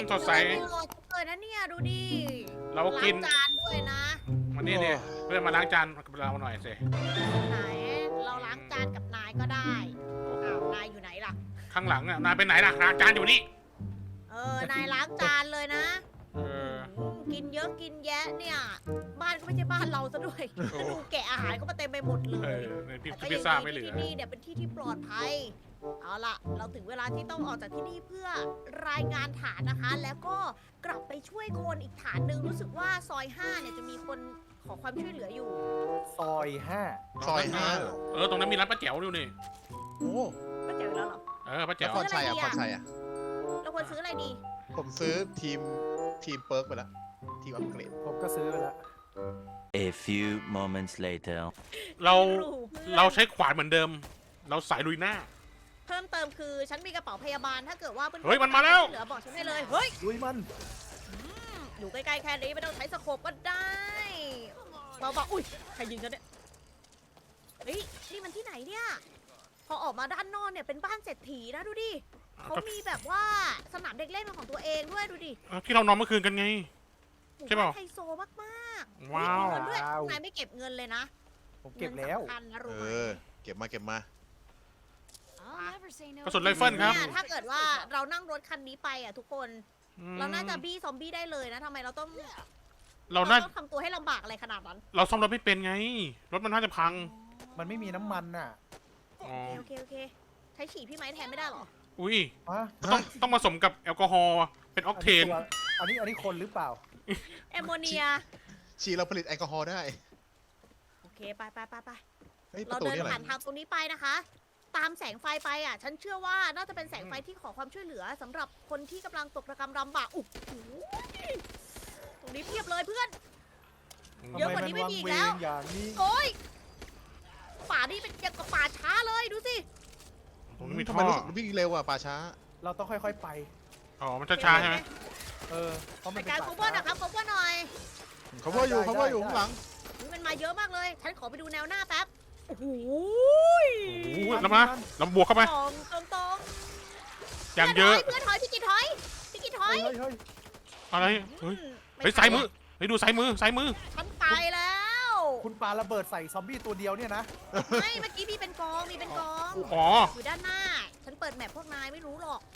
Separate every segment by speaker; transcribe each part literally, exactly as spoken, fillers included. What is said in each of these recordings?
Speaker 1: สดใส
Speaker 2: โหลดเลยนะเนี่ยดูดิ
Speaker 1: เรากิน
Speaker 2: ล้างจานด้วยนะ
Speaker 1: วันนี้เนี่ยเพื่อนมาล้างจานกับเราหน่อยสิ
Speaker 2: ไหนเราล้างจานกับนายก็ได้อ้าวนายอยู่ไหนล่ะ
Speaker 1: ข้างหลังอ่ะนายไปไหนล่ะล้างจานอยู่นี่
Speaker 2: เออนายล้างจานเลยนะ
Speaker 1: เออ
Speaker 2: อืมกินเยอะกินแยะเนี่ย บ้านก็ไม่ใช่บ้านเราซะด้วย
Speaker 1: โอ้
Speaker 2: ดูแกะอาหารก็มาเต็มไปหมดเล
Speaker 1: เอย อในพิ
Speaker 2: แต่ก็
Speaker 1: พิ
Speaker 2: ยั
Speaker 1: ซ
Speaker 2: ง
Speaker 1: ซ่า
Speaker 2: ดี
Speaker 1: ไม่เหลื
Speaker 2: ที่
Speaker 1: อ
Speaker 2: ที่นี่เนี่ยเป็นที่ที่ปลอดภัย เอาล่ะ เราถึงเวลาที่ต้องออกจากที่นี่เพื่อรายงานฐานนะคะ แล้วก็กลับไปช่วยคนอีกฐานหนึ่งรู้สึกว่าซอยห้าเนี่ยจะมีคนขอความช่วยเหลืออยู่
Speaker 3: ซอยห้า
Speaker 4: ซอยห้า
Speaker 1: เออตรงนั้นมีร้านป้าแจ๋วดูนี่
Speaker 4: โอ้
Speaker 2: ก็เจอแล้วเหรอ
Speaker 1: เออป้า
Speaker 4: แล้
Speaker 1: แจ๋
Speaker 4: ว
Speaker 1: ว
Speaker 4: พรชัยอ่ะพรชัยอ่ะ
Speaker 2: เราควรซื้ออะไรดี
Speaker 4: ผมซื้อทีมทีมเปิร์กไปแล้ว ทีมอัปเกรด
Speaker 3: ผมก็ซื้อไปแล้ว
Speaker 5: A few moments later.
Speaker 1: เรา
Speaker 2: ไม่รู้เพื่อน
Speaker 1: เราใช้ขวานเหมือนเดิม เราสายลุยหน้า
Speaker 2: เพิ่มเติมคือฉันมีกระเป๋าพยาบาลถ้าเกิดว่าเพื่อนๆ
Speaker 1: เฮ้ยมันมาแล้ว
Speaker 2: เหลือบอกฉันได้เลย เฮ้ย
Speaker 3: ลุยมัน
Speaker 2: อยู่ใกล้ๆแค่นี้ไม่ต้องใช้สโคปก็ได้เบาๆอุ้ยใครยิงฉันเนี่ยเฮ้ยนี่มันที่ไหนเนี่ย พอออกมาด้านนอกเนี่ยเป็นบ้านเศรษฐีนะดูดิเขามีแบบว่าสนามเด็กเล่นเป็นของตัวเองด้วยดูดิ
Speaker 1: เออที่เรานอนเมื่อคืนกันไง
Speaker 2: หมู่
Speaker 1: ใช่เปล่า
Speaker 2: บ้านไฮโซมากๆ
Speaker 1: ว้าว
Speaker 2: มีเงินด้วยนายไม่เก็บเงินเลยนะ
Speaker 3: ผมเก็บแล้ว
Speaker 2: งินสำคัญนะรู้
Speaker 4: เอ
Speaker 2: ไหม
Speaker 4: อ เก็บมาเก็บมา
Speaker 1: กระสุนไรเฟิลครับ
Speaker 2: เนี่ยถ้าเกิดว่าเรานั่งรถคันนี้ไปอ่ะทุกคน
Speaker 1: อืม
Speaker 2: เราน่าจะบี้ซอมบี้ได้เลยนะทำไมเราต้อง
Speaker 1: เราน่า
Speaker 2: ต้องทำตัวให้ลำบากอะไรขนาดนั้น
Speaker 1: เราซ่อมรถไม่เป็นไง รถมันน่าจะพัง
Speaker 3: มันไม่มีน้ำมันน่ะ
Speaker 1: อ๋อ
Speaker 2: โอเคโอเคโอเคใช้ฉี่พี่ไม้แทนไม่ได้เหรอ
Speaker 1: อุ้ย
Speaker 3: ฮะ
Speaker 1: ต้องต้องผสมกับแอลกอฮอล์เป็นออกเทน
Speaker 3: อันนี้อันนี้คนหรือเปล่า
Speaker 2: แอมโมเนีย
Speaker 4: ชีเราผลิตแอลกอฮอล์ได้
Speaker 2: โอเคไปไปไปไป
Speaker 4: เฮ้ยป
Speaker 2: เรา
Speaker 4: ระตู
Speaker 2: เดิน
Speaker 4: นี่อะไร
Speaker 2: ผ่านทางตรงนี้ไปนะคะ ตามแสงไฟไปอ่ะ ฉันเชื่อว่าน่าจะเป็นแสงไฟที่ขอความช่วยเหลือสำหรับคนที่กำลังตกระกำลำบากอุ๊ยตรงนี้เพียบเลยเพื่อน เยอะกว่านี้ไม่มีอีกแล้ว
Speaker 3: ทำไมมันวังเวงอย่างนี้
Speaker 2: โอ้ยป่านี่เป็นอย่างกับป่าช้าเลยดูสิ
Speaker 1: ตรงนี้มี
Speaker 4: ทำ
Speaker 1: ท่
Speaker 4: ไม
Speaker 1: อ
Speaker 4: รู้สึกวิ่งเร็วอ่ะป่าช้า
Speaker 3: เราต้องค่อยๆไป
Speaker 1: อ๋อ มันช้าๆใช่ไหม
Speaker 3: เออ เพราะมั
Speaker 2: เป็น น
Speaker 3: เป็น
Speaker 2: การ
Speaker 3: ป่า
Speaker 2: โคเวอร์นะครับโคเวอร์หน่อย
Speaker 4: เขาว่าอยู่เขาว่าอยู่ข้างหลัง
Speaker 2: อุ๊ยมันมาเยอะมากเลย ฉันขอไปดูแนวหน้าแป๊บ โอ้โห
Speaker 1: โอ้โหแล้วมาเราบวกเข้าไป
Speaker 2: ตรงตรงตรง
Speaker 1: อย่างเยอะ
Speaker 2: เพื่อนถอยพี่กินถอยพี่กินถอย
Speaker 3: เฮ้ยเฮ้ย
Speaker 1: อะไร เฮ้ย
Speaker 2: อืม
Speaker 1: เฮ้ย
Speaker 2: ไ
Speaker 1: ซ้ายมือ เฮ้ย ดูซ้ายมือ ซ้ายมือ
Speaker 2: ฉันไปแล้ว
Speaker 3: คุณปาระเบิดใส่ซอมบี้ตัวเดียวเนี่ยนะ
Speaker 2: ไม่เมื่อกี้มีเป็นกองมีเป็นกอง
Speaker 1: อ๋อ
Speaker 2: อยู่ด้านหน้า ฉันเปิดแมปพวกนายไม่รู้หรอก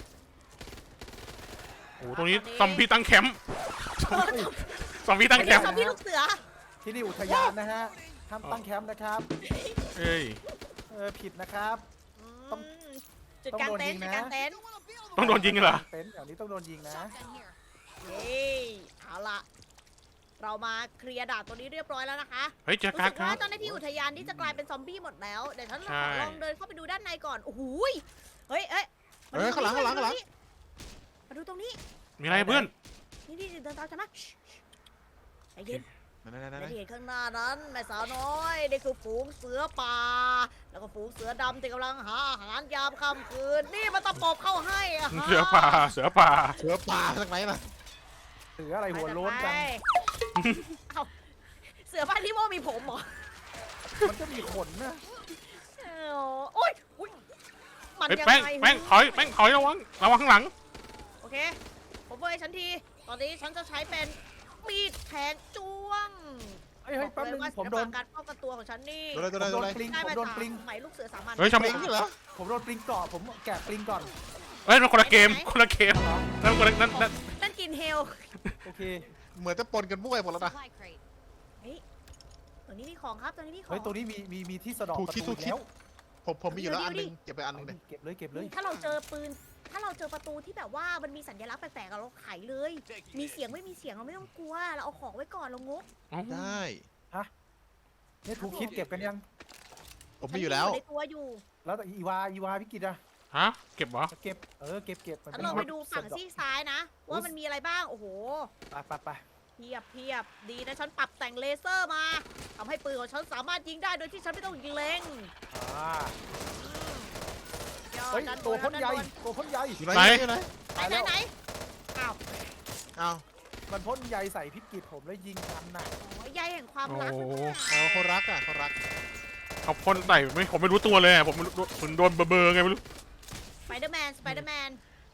Speaker 1: โอ้โหตรงนี้ซอมบี้ตั้งแคมป์ซอมบี้ตั้งแค
Speaker 2: เดี๋ย
Speaker 1: ม
Speaker 2: ว
Speaker 1: ป์
Speaker 2: ซอมบี้ลูกเสือ
Speaker 3: ที่นี่อุทยานนะฮะห้ามตั้งแคมป์นะครับ
Speaker 1: เอ้ย
Speaker 3: เออผิดนะครับ ต้อง
Speaker 2: มจุดกลางเต็นท์
Speaker 3: ต้องโดนยิงนะ
Speaker 2: จุดกลางเต็นท์
Speaker 1: ต้องโดนยิงเหรอ
Speaker 3: เต็นท์แถวนี้ต้องโดนยิงนะ
Speaker 2: เฮ้ยเอาล่ะ เรามาเคลียร์ด่านตัวนี้เรียบร้อยแล้วนะคะ
Speaker 1: เฮ้ยเจอ
Speaker 2: รู้
Speaker 1: การ์
Speaker 2: สึ
Speaker 1: ด
Speaker 2: ก
Speaker 1: ครั
Speaker 2: ว่า
Speaker 1: บ
Speaker 2: เจ้าหน้าที่อุทยานที่จะกลายเป็นซอมบี้หมดแล้ว เดี๋ยวฉัน
Speaker 1: ใช่
Speaker 2: ขอลองเดินเข้าไปดูด้านในก่อน โอ้โหยเฮ้ยเอ้ยม
Speaker 4: เฮ้ยข้างหลังข้างหลังข้างหลัง
Speaker 2: มาดูตรงนี้
Speaker 1: มีอะไรเพื่อน
Speaker 2: นี่นี่เดินตามฉันมาใจเย็น
Speaker 4: นั่นนั่นนั่น
Speaker 2: ในที่เห็นข้างหน้านั้นแม่สาวน้อยนี่คือฝูงเสือป่า แล้วก็ฝูงเสือดำที่กำลังหาอาหารยามค่ำคืน นี่มันตะปบเข้าให้อะฮะ
Speaker 1: เสือป่า เสือป่า
Speaker 4: เสือป่าจากไหนล่ะ
Speaker 3: เสืออะไรหัวโล้นจัง
Speaker 2: ไปเอ้าเสือบ้านที่โมมีผมเหรอ
Speaker 3: มันก็มีขนนะ
Speaker 2: เอ้าโอ๊ยอุ๊ยมัน
Speaker 1: เฮ้ย
Speaker 2: ยัง
Speaker 1: แป้ง
Speaker 2: ไง
Speaker 1: แป้งถอย แป้งถอยระวัง ระวังข้างหลัง
Speaker 2: โอเค ผมเบยฉันที ตอนนี้ฉันจะใช้เป็นมีดแทงจ้วง
Speaker 3: เฮ้ยเฮ้ยแป๊บนึง
Speaker 2: อกเลยว่า
Speaker 3: ผมโดน
Speaker 2: ศิลปะการป้องกันตัวของฉันนี่
Speaker 4: ตัวอะไรตัว
Speaker 3: ผม
Speaker 4: อะไร
Speaker 3: โด
Speaker 4: ตัวน อะไร
Speaker 3: ปลิง
Speaker 2: ได้
Speaker 3: ผม
Speaker 2: มา
Speaker 3: โดน
Speaker 2: จาก
Speaker 3: ปลิง
Speaker 2: สมัยลูกเสือสามัญ
Speaker 1: เฮ้ยชาว
Speaker 4: ปลิงเหรอ
Speaker 3: ผมโดนปลิงเกาะผมแกะปลิงก่อน
Speaker 1: เฮ้ยมันคนละเกม คนละเกมนั่นคนละนั่นนั่น
Speaker 2: นั่นกินเฮล
Speaker 3: โอเค
Speaker 4: เหมือนจะปนกันมั่วไปหมดแล้วนะ
Speaker 2: เฮ้ยตัวนี้มีของครับตัวนี้มีของ
Speaker 3: เฮ้ยตัวนี้มีมีมีที่สะดอก
Speaker 4: ถูก
Speaker 3: ประ
Speaker 4: คิด
Speaker 3: ตู
Speaker 4: ถูกคิด
Speaker 3: แล้ว
Speaker 4: ผมผมมีอยู่แล้วอันหนึง
Speaker 2: ดูดิ
Speaker 4: เก็บไปอันหนึงเลย
Speaker 3: เก็บเลยเก็บเลย
Speaker 2: ถ้าเราเจอปืน ถ้าเราเจอประตูที่แบบว่ามันมีสัญลักษณ์แปลกๆอะเราไขเลย มีเสียงไม่มีเสียงเราไม่ต้องกลัว เราเอาของไว้ก่อนเรางก
Speaker 1: อ๋อ
Speaker 4: ได้
Speaker 3: เนี่ยถูกคิดเก็บกันยัง
Speaker 4: ผมมีอยู่แล้ว
Speaker 2: ฉันในตัวอยู่
Speaker 3: แล้วแต่อีวาอีวาพี่กิตอะ
Speaker 1: ฮะ เก็บเหรอ
Speaker 3: เก็บเออเก็บเก็บมัน
Speaker 2: ฉัน
Speaker 3: เป็น
Speaker 2: ลองไปดูฝั่ง
Speaker 3: สะดอก
Speaker 2: ซีกซ้ายนะ ว่ามันมีอะไรบ้าง โอ้โห
Speaker 3: ไปไปไป
Speaker 2: เพียบเพียบดีนะฉันปรับแต่งเลเซอร์มาทำให้ปืนของฉันสามารถยิงได้โดยที่ฉันไม่ต้องยิงเล็ง
Speaker 3: อ่า
Speaker 2: ยอด
Speaker 3: เฮ้ย
Speaker 2: ด้านบ
Speaker 3: ตัวพ่น
Speaker 2: ด้า
Speaker 3: ใหญ่
Speaker 2: บน
Speaker 3: ตัวพ่นใหญ่
Speaker 4: อยู่ไหน
Speaker 1: ไหน
Speaker 4: อยู่ไหน
Speaker 2: ไหนไหนไหนอ้าว
Speaker 4: อ้าว
Speaker 3: มันพ่นใหญ่ใส่พิกิตผมแล้วยิงทันน่ะ
Speaker 2: โอ้ยใยแห่งความรัก
Speaker 1: โอ้โห
Speaker 4: อ๋อเขารักอ่ะเขารัก
Speaker 1: เขาพ่นใส่ไม่ผมไม่รู้ตัวเลยอะผมไม่รู้ผมโดนเบอร์เบอร์ไงไม่รู้
Speaker 2: สไปเดอร์แมนสไปเดอร์แมน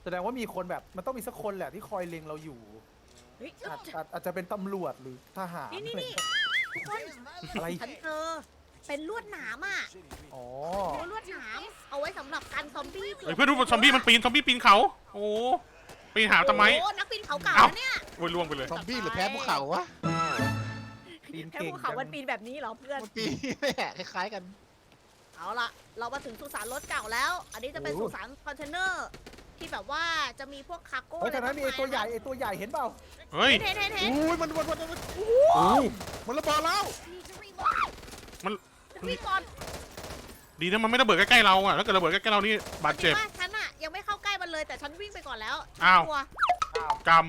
Speaker 3: แสดงว่ามีคนแบบมันต้องมีสักคนแหละที่คอยเล็งเราอยู่
Speaker 2: เฮ้ย
Speaker 3: อาจอาจอาจจะเป็นตำรวจหรือทหาร
Speaker 2: นี่นี่นี่ทุกคน
Speaker 3: อะไร
Speaker 2: ฉันเจอเป็นลวดหนามอ่ะ
Speaker 3: อ๋อ
Speaker 2: เป็นลวดหนามเอาไว้สำหรับกันซอมบี้
Speaker 1: เฮ้ยเพื่อนดูซอมบี้มันปีนซอมบี้ปีนเขาโอ้ปีนหาทำไม
Speaker 2: โอ้นักปีนเขาเก่า
Speaker 1: เอ้า
Speaker 2: นะเนี่ย
Speaker 1: โอ้ยล่วงไปเลย
Speaker 4: ซอมบี้หรือแพ้ภูเขาวะ
Speaker 3: ปีน
Speaker 2: แค่
Speaker 3: เก่ง
Speaker 2: ภูเขา
Speaker 3: จั
Speaker 2: มัน
Speaker 3: ง
Speaker 2: ปีนแบบนี้เหรอเพื่อน
Speaker 4: มันปีแหละคล้ายๆกัน
Speaker 2: เอาล่ะ เรามาถึงสุสานรถเก่าแล้ว อันนี้จะเป็นสุสานคอนเทนเนอร์ที่แบบว่าจะมีพวกคาร์โก้
Speaker 3: เฮ้ยทางนั้นมีไอตัวใหญ่ไอตัวใหญ่เห็นเปล่า
Speaker 1: เฮ้ย
Speaker 2: เห็นเห็นเห็น
Speaker 4: อุ้ยมันมันมันมัน
Speaker 1: โอ้
Speaker 4: มันระเบิดแล้ว
Speaker 1: มัน
Speaker 2: วิ่งก่อน
Speaker 1: ดีนะมันไม่ระเบิดใกล้ๆเราอะถ้าเกิดระเบิดใกล้ๆเรานี่บาดเจ็บ
Speaker 2: จริงๆว่าฉันอะยังไม่เข้าใกล้มันเลยแต่ฉันวิ่งไปก่อนแล้ว
Speaker 1: อ้าว
Speaker 2: กลัว
Speaker 1: กรรม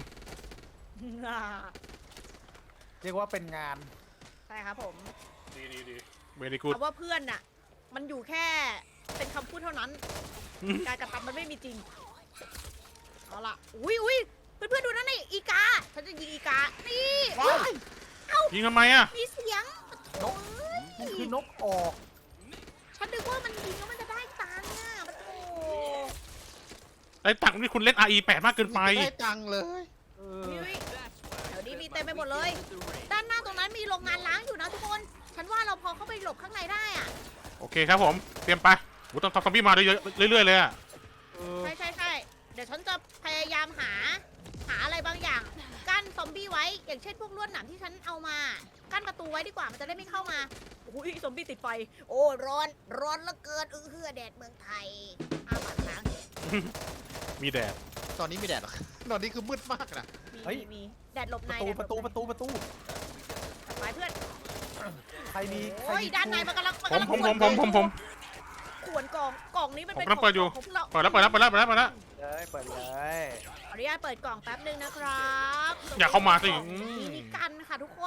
Speaker 3: เรียกว่าเป็นงาน
Speaker 2: ใช่ครับผม
Speaker 1: ดีดีดีเวดีกูด
Speaker 2: คำว่าเพื่อนน่ะ มันอยู่แค่เป็นคำพูดเท่านั้น
Speaker 1: อืม
Speaker 2: การกระทำมันไม่มีจริง เอาล่ะ อุ้ยอุ้ยเพื่อนๆดูนั่นนี่อีกา ฉันจะยิงอีกา นี่
Speaker 3: ว้าย
Speaker 1: ยิงทำไมอะ
Speaker 2: มีเสียงโถ่
Speaker 3: มันคือนกออก
Speaker 2: ฉันนึกว่ามันยิงแล้วมันจะได้ตังค์อ่ะมันโอ้
Speaker 1: ไอ้ตักนี่คุณเล่น อาร์ อี แปดมากเกินไป
Speaker 4: ได้ตังค์เลย
Speaker 3: เออ
Speaker 2: อุ๊ยแถวนี้มีเต็มไปหมดเลย ด้านหน้าตรงนั้นมีโรงงานล้างอยู่นะทุกคน ฉันว่าเราพอเข้าไปหลบข้างในได้อ่ะ
Speaker 1: โอเคครับผม เตรียมไปโอ้ต้องทำซอมบี้มาเรื่อยๆเรื่อยๆเลยอะ
Speaker 3: เออ
Speaker 2: ใช่ใช่ใช่เดี๋ยวฉันจะพยายามหา หาอะไรบางอย่าง กั้นซอมบี้ไว้ อย่างเช่นพวกลวดหนามที่ฉันเอามา กั้นประตูไว้ดีกว่า มันจะได้ไม่เข้ามาอุ้ยซอมบี้ติดไฟ โอ้ร้อน ร้อนเหลือเกินเออเฮือแดดเมืองไทยอ้าวปากค้าง
Speaker 1: มีแดด
Speaker 4: ตอนนี้ไม่แดดหรอก ตอนนี้คือมืดมากนะ
Speaker 2: มีมีมีแดดหลบ
Speaker 3: ป
Speaker 2: ใน
Speaker 3: ระตู
Speaker 2: แดดหล
Speaker 3: ประตู
Speaker 2: บ
Speaker 3: ประตูประตู
Speaker 2: ในไปเพื่อน
Speaker 3: ใครมีใคร
Speaker 2: โอ้ย
Speaker 3: มี
Speaker 2: ด้านในมันกำลังมัน
Speaker 1: ผม
Speaker 2: กำลัง
Speaker 1: ผมผมผมผมผม
Speaker 2: ขวนกล่อง กล่องนี้มันเป็น
Speaker 1: ผมกำลังเปิดอยู่
Speaker 2: ของพวกเรา
Speaker 1: เปิดแล้วเปิดแล้วเปิดแล้วเปิดแล้วเปิดแล้ว
Speaker 3: เลยเปิดเลย
Speaker 2: ขออนุญาตเปิดกล่องแป๊บนึงนะครับ
Speaker 1: อย่าเข้ามาสิ
Speaker 2: นี่นี่กันค่ะทุกคน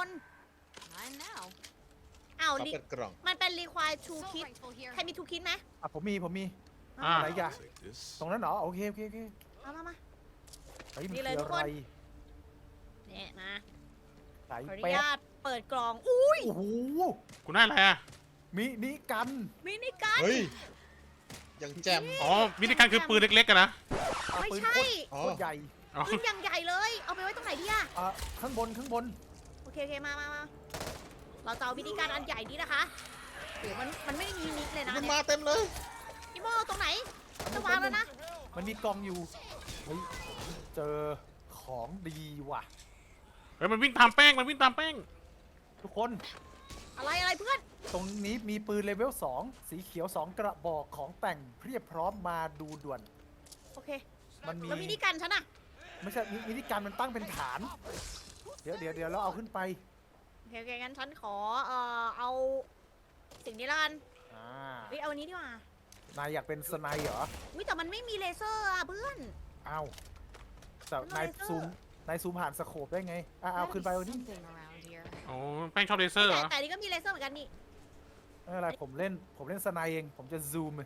Speaker 2: อ้าว
Speaker 4: เขา
Speaker 2: ลิ
Speaker 4: เปิดกล่อง
Speaker 2: มันเป็น require two kit ใครมี two kit ไหม
Speaker 3: อ่ะผมมีผมมี
Speaker 1: อ่า
Speaker 3: อะไรอย่าตรงนั้นเหรอโอเคโอเคโอเค
Speaker 2: เอามามา
Speaker 3: เฮ้ยมัน
Speaker 2: นี่
Speaker 3: คือ
Speaker 2: เลยทุก
Speaker 3: อะ
Speaker 2: ค
Speaker 3: ไร
Speaker 2: น เนี่ยมา
Speaker 3: สาย
Speaker 2: ขออนุ
Speaker 3: แป๊
Speaker 2: ญา
Speaker 3: ด
Speaker 2: ตเปิดกล่อง อุ้ย
Speaker 3: โอ้โห
Speaker 1: คุณได้อะไรอะ
Speaker 3: มินิกัน
Speaker 2: มินิกัน
Speaker 4: เฮ้ย ยังแจ่ม
Speaker 1: อ๋อมินิการคือปืนเล็กๆกันนะ
Speaker 3: อ่ะ
Speaker 2: ไม่
Speaker 3: ปืน
Speaker 2: ใช่
Speaker 3: โคตรโคตรใหญ่
Speaker 1: อ๋อ
Speaker 2: ปืนอย่างใหญ่เลย เอาไปไว้ตรงไหนดีอะ
Speaker 3: อ่ะข้างบนข้างบน
Speaker 2: โอเคโอเคมามามาเราจะเอามินิกันอันใหญ่นี้นะคะโอ้มันมันไม่มีนิดเลยนะ
Speaker 4: มัน
Speaker 2: เนี่ย
Speaker 4: มาเต็มเลย
Speaker 2: พี่โมตรงไหน จะวางแล้วนะ
Speaker 3: มันมีกล่องอยู่เฮ้ยเจอของดีว่ะ
Speaker 1: เฮ้ยมันวิ่งตามแป้งมันวิ่งตามแป้ง
Speaker 3: ทุกคน
Speaker 2: อะไรอะไรเพื่อน
Speaker 3: ตรงนี้มีปืนเลเวลสองสีเขียวสองกระบอกของแต่งเพียบพร้อมมาดูด่วน
Speaker 2: โอเค
Speaker 3: มันมี
Speaker 2: แล้วมินิกันฉันอะ
Speaker 3: ไม่ใช่มิมินิการมันตั้งเป็นฐาน เดี๋ยวเดี๋ยวเดี๋ยวเราเอาขึ้นไป
Speaker 2: โอเคโอเคงั้นฉันขอเอ่อเอาสิ่งนี้ละกัน
Speaker 3: อ่า
Speaker 2: เฮ้ยเอาอันนี้ดีกว่า
Speaker 3: นายอยากเป็นสไนเหรอ
Speaker 2: อุ้ยแต่มันไม่มีเลเซอร์อะเพื่อน
Speaker 3: อ้าวแต่
Speaker 2: มัน
Speaker 3: นาย
Speaker 2: เลเซอร์
Speaker 3: ซูมนายซูมผ่านสโคปได้ไงอ่ะเอาขึ้นไปเอานี่
Speaker 1: อ๋อแป้งชอบเลเซอร์เหร
Speaker 2: แต่
Speaker 1: อ
Speaker 2: แต่อันนี้ก็มีเลเซอร์เหมือนกันนี่
Speaker 3: ไม่เป็นไรผมเล่นผมเล่นสไนเอง ผมจะซูม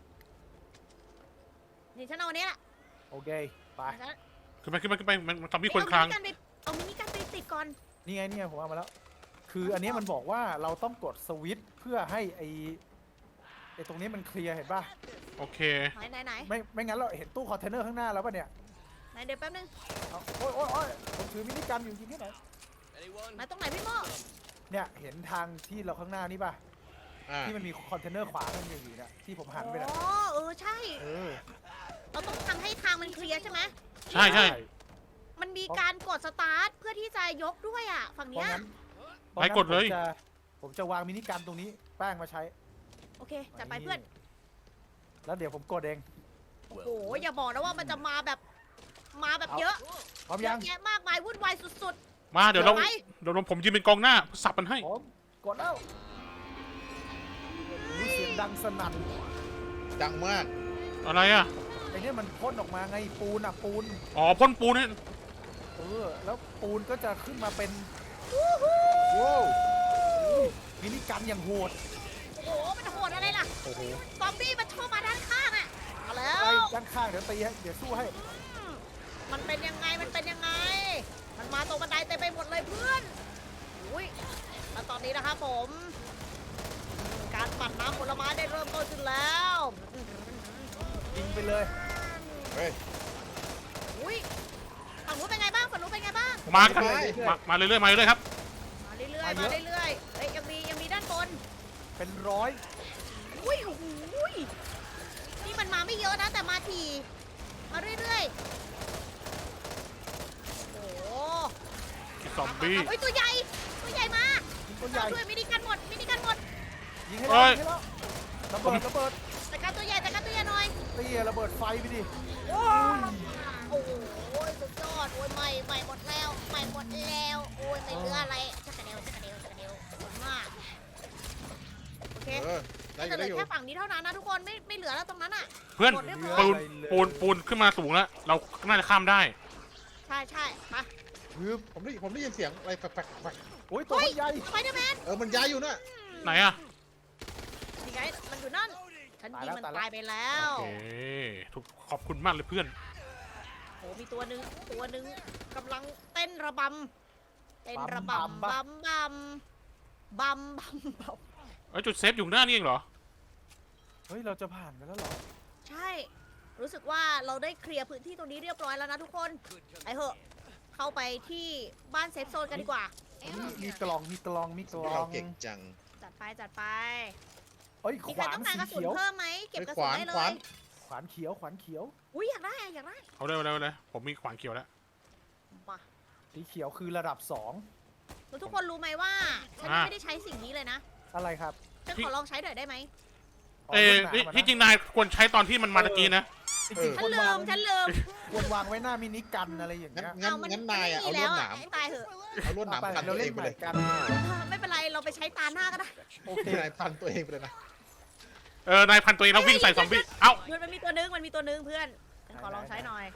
Speaker 2: นี่ฉันเอาอันนี้แหละ
Speaker 3: โอเคไป
Speaker 2: ฉัน
Speaker 1: ขึ้นไปขึ้นไปขึ้นไปมันมันทำพี่
Speaker 2: เอ้ย
Speaker 1: คนคลาง
Speaker 2: เอามินิกันไปเอามินิกันไปติดก่อน
Speaker 3: นี่ไงนี่ไงผมเอามาแล้ว คืออันนี้มันบอกว่าเราต้องกดสวิตช์เพื่อให้ไอไอตรงนี้มันเคลียร์เห็นป่ะ
Speaker 1: โอเค
Speaker 2: ไหนไหนไหน
Speaker 3: ไม่ไม่งั้นเราเห็นตู้คอนเทนเนอร์ข้างหน้าแล้วป่ะเนี่ย
Speaker 2: ไหนเดี๋ยวแป๊บนึง
Speaker 3: เอาโอ๊ยโอ๊ยโอ๊ยผมถือมินิกันอยู่จริงที่ไหน
Speaker 2: ไหนตรงไหนพี่โม
Speaker 3: เนี่ยเห็นทางที่เราข้างหน้านี่ป่ะ
Speaker 4: อ่า
Speaker 3: ที่มันมีคอนเทนเนอร์ขวามันอยู่เนี่ยที่ผมหันไป
Speaker 2: อ๋
Speaker 3: น่ะ
Speaker 2: อเออใช่
Speaker 3: เออ
Speaker 2: เราต้องทำให้ทางมันเคลียร์ใช่ไหม
Speaker 1: ใช่ใช่
Speaker 2: มันมีการกดสตาร์ทเพื่อที่จะยกด้วยอ่ะฝั่ง
Speaker 3: เพ
Speaker 2: เนี้
Speaker 3: ราะ
Speaker 2: ย
Speaker 3: งั้น
Speaker 1: ไปกดเลย
Speaker 3: ผมจะผมจะวางมินิกันตรงนี้แป้งมาใช้
Speaker 2: โอเคจัดไปเพื่อน
Speaker 3: แล้วเดี๋ยวผมกดเอง
Speaker 2: โอ้โหอย่าบอกนะว่ามันจะมาแบบมาแบบเยอะ
Speaker 3: พร้อม
Speaker 2: เย
Speaker 3: ยั
Speaker 2: อะ
Speaker 3: ง
Speaker 2: แยะมากมายวุ่นวายสุด
Speaker 1: มาเดี๋ยวเรา
Speaker 2: ไป
Speaker 1: เดี๋ยวผมยืนเป็นกองหน้าสับมันให้
Speaker 3: ผมกดแล้วมีเสียงดังสนั่น
Speaker 4: ดังมาก
Speaker 1: อะไรอ่ะ
Speaker 3: ไอเนี่ยมันพ่นออกมาไงปูนอ่ะปูน
Speaker 1: อ๋อพ่นปูนนี่
Speaker 3: เออแล้วปูนก็จะขึ้นมาเป็น
Speaker 2: ๆวู้ฮู้
Speaker 3: ว้าวอุ้ยมินิกันอย่างโหด
Speaker 2: โอ้โหมันโหดอะไรล่ะ
Speaker 3: โอ้โห
Speaker 2: ซอมบี้มันชอบมาด้านข้างอ่ะมาแล้
Speaker 3: ไป
Speaker 2: ว
Speaker 3: ด้านข้างเดี๋ยวตีให้เดี๋ยวสู้ให้
Speaker 2: อืมมันเป็นยังไงมันเป็นยังไง มันมาตรงบันไดเต็มไปหมดเลยเพื่อนอุ้ยแล้วตอนนี้นะครับผมอืมการปั่นน้ำผลไม้ได้เริ่มต้นขึ้นแล้ว
Speaker 3: ยิงไปเลย
Speaker 4: เฮ้ย
Speaker 2: อุ้ยฝั่งนู้นเป็นไงบ้างฝั่งนู้นเป็นไงบ้าง
Speaker 1: มากันมามาเรื่อยๆมาเรื่อยๆครับ
Speaker 2: มาเรื่อยๆมาเรื่อยๆเฮ้ยยังมียังมีด้านบน
Speaker 3: เป็นร้อย
Speaker 2: อุ้ยโอ้โหยนี่มันมาไม่เยอะนะแต่มาทีมาเรื่อยๆโอ้โห
Speaker 1: ซอมบี้
Speaker 2: เฮ้ยตัวใหญ่ตัวใหญ่มา
Speaker 3: ยิงตัวใหญ่
Speaker 2: เราด้วยมินิกันหมดมินิกันหมด
Speaker 3: ยิงให้แล้วยิงให้แล้วระเบิดระเบิด
Speaker 2: จัดการตัวใหญ่จัดการตัวใหญ่หน่อย
Speaker 3: ตีระเบิดไฟไปดิ
Speaker 2: โอ้โอ้โหสุดยอดโอ้ยใหม่ใหม่หมดแล้วใหม่หมดแล้วโอ้ยไม่เหลืออะไรชักกระเดวชักกระเดวชักกระเดวขอบคุณมากโอเค
Speaker 4: เออได้อ
Speaker 2: จะ
Speaker 4: ยู่
Speaker 2: เหลื
Speaker 4: ได้อยู่
Speaker 2: อแค่ฝั่งนี้เท่านั้นนะทุกคนไม่ไม่เหลือแล้วตรงนั้นอ่ะ
Speaker 1: เพื่อน
Speaker 2: หมดเรียบร้อย
Speaker 1: ปูนปูนปูนขึ้นมาสูงแล้ว เราน่าจะข้ามได้
Speaker 2: ใช่ใช่มา
Speaker 4: คือผมได้ผมได้ยินเสียงอะไรแปลกๆแปลก
Speaker 3: โอ้ยตัว
Speaker 2: เฮ้ย
Speaker 3: มันใหญ่
Speaker 2: สไปเดอร์แมน
Speaker 4: ๆเออมันย้ายอยู่น่ะ
Speaker 1: ไหนอะ
Speaker 2: นี่ไงมันอยู่นั่นฉันยิงมันตายไปแล้
Speaker 1: โอ
Speaker 2: ว
Speaker 1: เคทุกขอบคุณมากเลยเพื่อน
Speaker 2: โอ้มีตัวหนึ่งตัวหนึ่งกำลังเต้นระบำเต้นระบำบัมบัมบัมบัมบัม
Speaker 1: ไอ้ยจุดเซฟอยู่หน้านี่เองเหรอ
Speaker 3: เฮ้ยเราจะผ่านกันแล้วเหรอ
Speaker 2: ใช่ รู้สึกว่าเราได้เคลียร์พื้นที่ตรงนี้เรียบร้อยแล้วนะทุกคนไอ้เหอะเข้าไปที่บ้านเซฟโซนกันดีกว่า
Speaker 3: มีมีกล่องมีกล่องมีกล่อ
Speaker 4: เรา
Speaker 3: ง
Speaker 4: เก่งจัง
Speaker 2: จัดไปจัดไป
Speaker 3: เอ้ย
Speaker 2: มี
Speaker 3: ข
Speaker 2: ใคร
Speaker 3: วาน
Speaker 2: ต้องการ
Speaker 3: สี
Speaker 2: กระสุน
Speaker 3: เขียว
Speaker 2: เพิ่มไหมเก็บกระสุนได้เล
Speaker 4: ขวาน
Speaker 2: ย
Speaker 3: ขวานเขียวขวานเขียว
Speaker 2: อุ้ยอยากได้อะอยากได้
Speaker 1: เอาเลยเอาเลยเอาเลยผมมีขวานเขียวแล้ว
Speaker 2: มา
Speaker 3: สีเขียวคือระดับสอง
Speaker 2: แล้วทุกคนรู้ไหมว่าฉันยังไม่ได้ใช้สิ่งนี้เลยนะ
Speaker 3: อะไรครับ
Speaker 2: ฉันขอลองใช้หน่อยได้ไหม
Speaker 3: อ๋อ
Speaker 1: เอ้ย
Speaker 3: รุ่นหนา
Speaker 1: ที่
Speaker 3: มานะ
Speaker 1: ที่จริงนายควรใช้ตอนที่มันมาตะกี้นะ
Speaker 3: จริงๆ
Speaker 2: ฉั
Speaker 3: คน
Speaker 2: นลื
Speaker 3: วาง
Speaker 2: มฉันลืม
Speaker 3: ควรวางไว้หน้ามินิกันอะไรอย่าง
Speaker 4: งั้น
Speaker 3: เงี้ย
Speaker 4: งั้น
Speaker 2: มั
Speaker 4: งั้นนายอะเอา
Speaker 2: ไม่
Speaker 4: ลว
Speaker 2: มี
Speaker 4: ดห
Speaker 2: แล้
Speaker 4: นาม
Speaker 2: ให้ตายเถอะ
Speaker 4: เอาลวดหนาม
Speaker 3: ไป
Speaker 4: พัน
Speaker 3: เรา
Speaker 4: ตัวเอ
Speaker 3: เล่
Speaker 4: ง
Speaker 3: น
Speaker 4: ไป
Speaker 3: ให
Speaker 4: เล
Speaker 3: ม่
Speaker 4: ย
Speaker 3: กัน
Speaker 2: ไม่เป็นไรเราไปใช้ตาหน้าก็ได้
Speaker 3: โอเค
Speaker 4: นายพันตัวเองไปเลยนะ
Speaker 1: เออนายพันตัวเองแล้ววิ่งใส่ซอมบี้ เอ้า
Speaker 2: มันมันมีตัวนึงมันมีตัวนึงเพื่อนฉันขอลองใช้หน่อย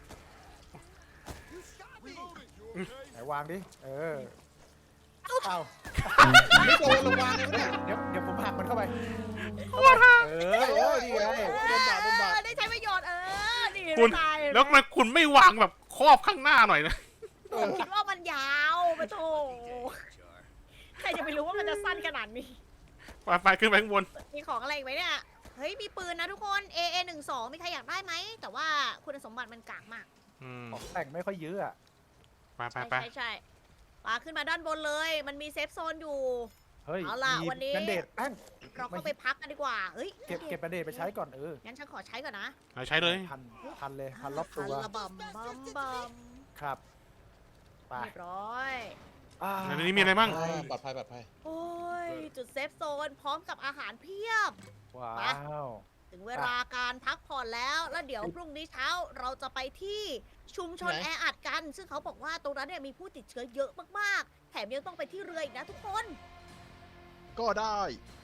Speaker 3: ไหนวางดิเออเอา
Speaker 4: ไม่โดนระวังเลยเนี่ย
Speaker 3: เดี๋ยวเดี๋ยวผมหักมันเข้าไปเออ
Speaker 4: โอ้ยนี่ไงโดนบาดโดนบาด
Speaker 2: เออได้ใช้ประโยชน์เออนี่
Speaker 1: คุณ
Speaker 2: ตาย
Speaker 1: แล้วทำไมคุณไม่วางแบบครอบข้างหน้าหน่อยนะ
Speaker 2: ผมคิดว่ามันยาวไปโถใครจะไปรู้ว่ามันจะสั้นขนาดนี้
Speaker 1: ไปไปขึ้นไปข้างบน
Speaker 2: มีของอะไรอีกไหมเนี่ย เฮ้ย มีปืนนะทุกคน เอ เอ หนึ่งสองมีใครอยากได้ไหม แต่ว่าคุณสมบัติมันกากมาก
Speaker 1: อืม
Speaker 3: ของแต่งไม่ค่อยเยอะอะ
Speaker 1: ไปไป
Speaker 2: ใช่
Speaker 1: ไป
Speaker 2: ใช่ใช่ปาขึ้นมาด้านบนเลย มันมีเซฟโซนอยู่
Speaker 3: เฮ้ย
Speaker 2: เอาล่ะ
Speaker 3: มี
Speaker 2: วันนี้
Speaker 3: แบนเดดแป้ง
Speaker 2: เราเข้าไปพักกันดีกว่า เฮ้ย
Speaker 3: เก็บเก็บแบนเดดไปใช้ก่อนเออ
Speaker 2: งั้นฉันขอใช้ก่อนนะ
Speaker 1: เอาใช้เลย
Speaker 3: พันพันเลยพันรอบตัว
Speaker 2: พันระบำบัมบัม
Speaker 3: ครับไป
Speaker 2: เรียบร้อย
Speaker 3: อ่า
Speaker 1: ในนี้มีอะไรบ้าง
Speaker 4: อ่าปลอดภัยปลอดภัย
Speaker 2: โอ้ย จุดเซฟโซนพร้อมกับอาหารเพียบ
Speaker 3: ว้าว
Speaker 2: ถึงเวลาการพักผ่อนแล้ว แล้วเดี๋ยวพรุ่งนี้เช้าเราจะไปที่ชุมชน
Speaker 4: ไหน
Speaker 2: แออัดกัน ซึ่งเขาบอกว่าตรงนั้นเนี่ยมีผู้ติดเชื้อเยอะมากๆ แถมยังต้องไปที่เรืออีกนะทุกคน
Speaker 4: ก็ได้